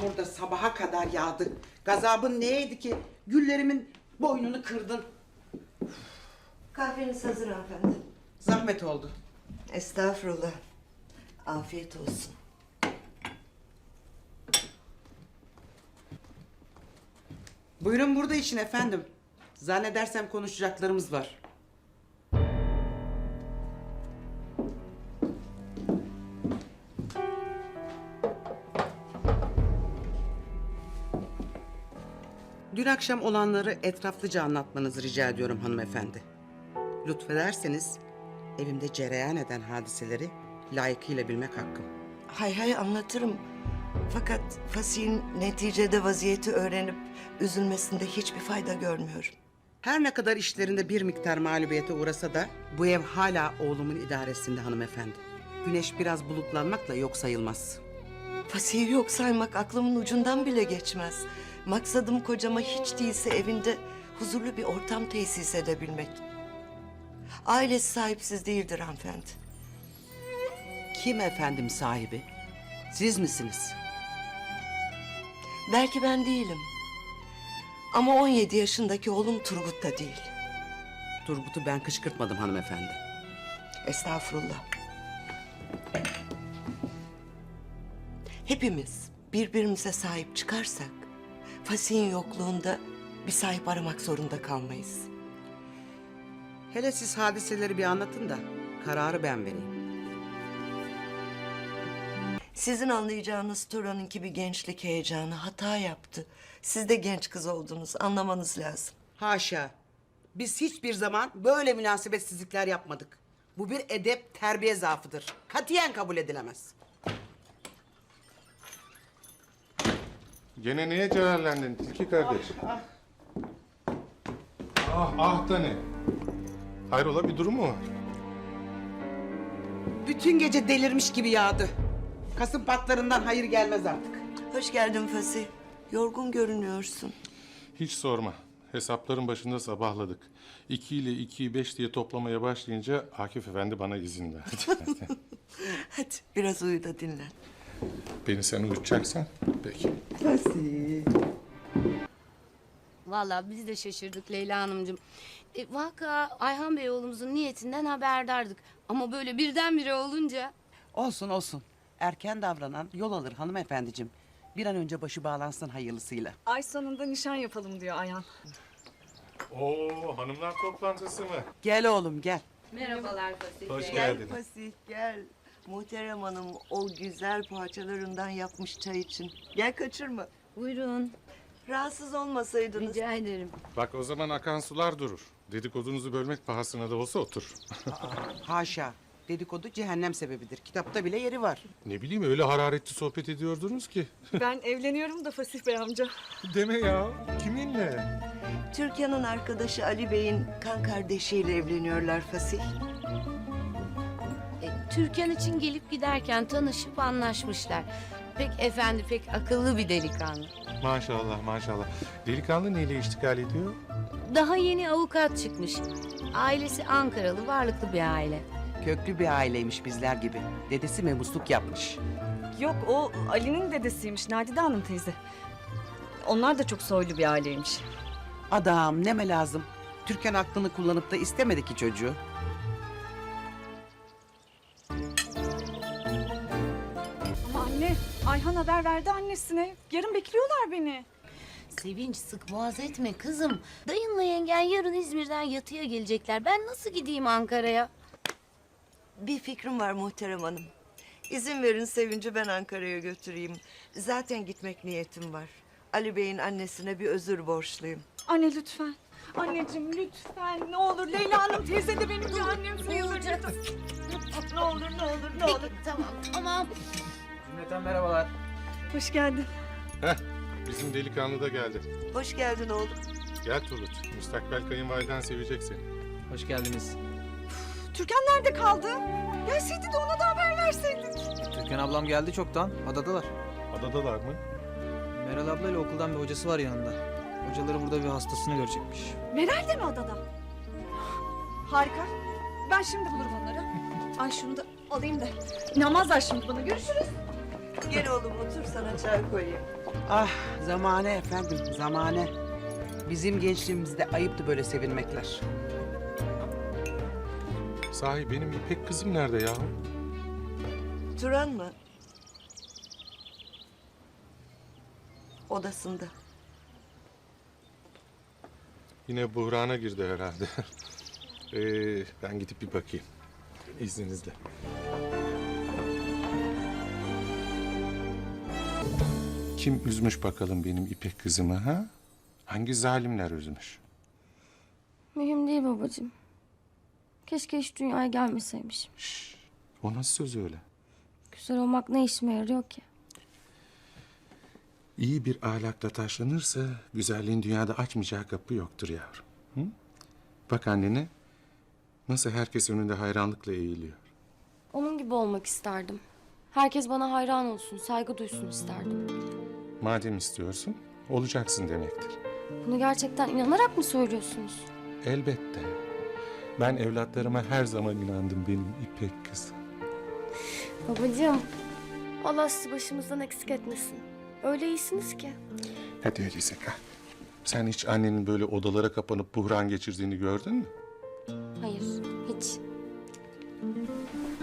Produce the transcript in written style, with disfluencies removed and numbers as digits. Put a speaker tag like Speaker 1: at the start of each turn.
Speaker 1: burada sabaha kadar yağdı. Gazabın neydi ki? Güllerimin boynunu kırdın.
Speaker 2: Kahveniz hazır hanımefendi.
Speaker 1: Zahmet oldu.
Speaker 2: Estağfurullah. Afiyet olsun.
Speaker 1: Buyurun burada için efendim. Zannedersem konuşacaklarımız var. Dün akşam olanları etraflıca anlatmanızı rica ediyorum hanımefendi. Lütfederseniz evimde cereyan eden hadiseleri layıkıyla bilmek hakkım.
Speaker 2: Hay anlatırım. Fakat Fasih'in neticede vaziyeti öğrenip üzülmesinde hiçbir fayda görmüyorum.
Speaker 1: Her ne kadar işlerinde bir miktar mağlubiyete uğrasa da bu ev hala oğlumun idaresinde hanımefendi. Güneş biraz bulutlanmakla yok sayılmaz.
Speaker 2: Fasih'i yok saymak aklımın ucundan bile geçmez. Maksadım kocama hiç değilse evinde huzurlu bir ortam tesis edebilmek. Ailesi sahipsiz değildir hanımefendi.
Speaker 1: Kim efendim sahibi? Siz misiniz?
Speaker 2: Belki ben değilim. Ama 17 yaşındaki oğlum Turgut da değil.
Speaker 1: Turgut'u ben kışkırtmadım hanımefendi.
Speaker 2: Estağfurullah. Hepimiz birbirimize sahip çıkarsak Fasih'in yokluğunda bir sahip aramak zorunda kalmayız.
Speaker 1: Hele siz hadiseleri bir anlatın da kararı ben vereyim.
Speaker 2: Sizin anlayacağınız Turan'ınki bir gençlik heyecanı hata yaptı. Siz de genç kız oldunuz, anlamanız lazım.
Speaker 1: Haşa. Biz hiçbir zaman böyle münasebetsizlikler yapmadık. Bu bir edep, terbiye zaafıdır. Katiyen kabul edilemez.
Speaker 3: Gene neye celalendin Tilki kardeş? Ah da ne? Hayrola bir durum mu var?
Speaker 1: Bütün gece delirmiş gibi yağdı. Kasım patlarından hayır gelmez artık.
Speaker 2: Hoş geldin Fasih. Yorgun görünüyorsun.
Speaker 3: Hiç sorma. Hesapların başında sabahladık. 2 ile 2'yi 5 diye toplamaya başlayınca Akif Efendi bana izin verdi.
Speaker 2: Hadi biraz uyu da dinlen.
Speaker 3: Beni sen uyutacaksan peki.
Speaker 2: Fasih.
Speaker 4: Vallahi biz de şaşırdık Leyla Hanımcığım. Vaka Ayhan Bey oğlumuzun niyetinden haberdardık. Ama böyle birdenbire olunca...
Speaker 1: Olsun olsun. Erken davranan yol alır hanımefendiciğim. Bir an önce başı bağlansın hayırlısıyla.
Speaker 5: Ay sonunda nişan yapalım diyor Ayhan.
Speaker 3: Oo hanımlar toplantısı mı?
Speaker 1: Gel oğlum gel.
Speaker 4: Merhabalar Fasih
Speaker 3: Hoş
Speaker 4: Bey.
Speaker 3: geldiniz.
Speaker 2: Fasih gel. Muhterem Hanım o güzel poğaçalarından yapmış çay için. Gel kaçırma.
Speaker 4: Buyurun.
Speaker 2: Rahatsız olmasaydınız.
Speaker 4: Rica ederim.
Speaker 3: Bak o zaman akan sular durur. Dedikodunuzu bölmek pahasına da olsa otur.
Speaker 1: Haşa. Dedikodu cehennem sebebidir. Kitapta bile yeri var.
Speaker 3: Ne bileyim öyle hararetli sohbet ediyordunuz ki.
Speaker 5: Ben evleniyorum da Fasih Bey amca.
Speaker 3: Deme ya. Kiminle?
Speaker 2: Türkan'ın arkadaşı Ali Bey'in kan kardeşiyle evleniyorlar Fasih.
Speaker 4: Türkan için gelip giderken tanışıp anlaşmışlar. Pek efendi, pek akıllı bir delikanlı.
Speaker 3: Maşallah maşallah. Delikanlı neyle iştikal ediyor?
Speaker 4: Daha yeni avukat çıkmış. Ailesi Ankaralı, varlıklı bir aile.
Speaker 1: Köklü bir aileymiş bizler gibi. Dedesi memusluk yapmış.
Speaker 5: Yok o Ali'nin dedesiymiş Nadide Hanım teyze. Onlar da çok soylu bir aileymiş.
Speaker 1: Adam neme lazım. Türkan aklını kullanıp da istemedi ki çocuğu.
Speaker 5: Ama anne Ayhan haber verdi annesine. Yarın bekliyorlar beni.
Speaker 4: Sevinç sık boğaz etme kızım. Dayınla yengen yarın İzmir'den yatıya gelecekler. Ben nasıl gideyim Ankara'ya?
Speaker 2: Bir fikrim var Muhterem Hanım. İzin verin Sevinç'i ben Ankara'ya götüreyim. Zaten gitmek niyetim var. Ali Bey'in annesine bir özür borçluyum.
Speaker 5: Anne lütfen. Anneciğim lütfen ne olur Leyla Hanım teyze de benim bir annem sayılır. Ne olur ne olur ne olur.
Speaker 4: Tamam.
Speaker 6: Cümleten merhabalar.
Speaker 5: Hoş geldin.
Speaker 3: Heh, bizim delikanlı da geldi.
Speaker 2: Hoş geldin oğlum.
Speaker 3: Gel Turgut, müstakbel kayınvaliden sevecek seni.
Speaker 6: Hoş geldiniz.
Speaker 5: Türkan nerede kaldı? Gelseydi de ona da haber verseydik.
Speaker 6: Türkan ablam geldi çoktan. Adadalar.
Speaker 3: Adadalar mı?
Speaker 6: Meral ablayla okuldan bir hocası var yanında. Hocaları burada bir hastasını görecekmiş.
Speaker 5: Meral de mi adada? Harika. Ben şimdi bulurum onları. Ay şunu da alayım da. İnanmazlar şimdi bana. Görüşürüz.
Speaker 2: Gel oğlum otur sana çay koyayım.
Speaker 1: Ah zamane efendim zamane. Bizim gençliğimizde ayıptı böyle sevinmekler.
Speaker 3: Sahi benim İpek kızım nerede yahu?
Speaker 2: Turan mı? Odasında.
Speaker 3: Yine buhrana girdi herhalde. Ben gidip bir bakayım. İzninizle. Kim üzmüş bakalım benim İpek kızımı ha? Hangi zalimler üzmüş?
Speaker 7: Mühim değil babacığım. Keşke hiç dünyaya gelmeseymişim.
Speaker 3: O nasıl söz öyle?
Speaker 7: Güzel olmak ne işime yarıyor ki?
Speaker 3: İyi bir ahlakla taşlanırsa güzelliğin dünyada açmayacağı kapı yoktur yavrum. Hı? Bak annene nasıl herkes önünde hayranlıkla eğiliyor.
Speaker 7: Onun gibi olmak isterdim. Herkes bana hayran olsun, saygı duysun isterdim.
Speaker 3: Madem istiyorsun olacaksın demektir.
Speaker 7: Bunu gerçekten inanarak mı söylüyorsunuz?
Speaker 3: Elbette. Ben evlatlarıma her zaman inandım benim İpek kızım.
Speaker 7: Babacığım, Allah sizi başımızdan eksik etmesin. Öyle iyisiniz ki.
Speaker 3: Hadi öyleyse kal. Sen hiç annenin böyle odalara kapanıp buhran geçirdiğini gördün mü?
Speaker 7: Hayır, hiç.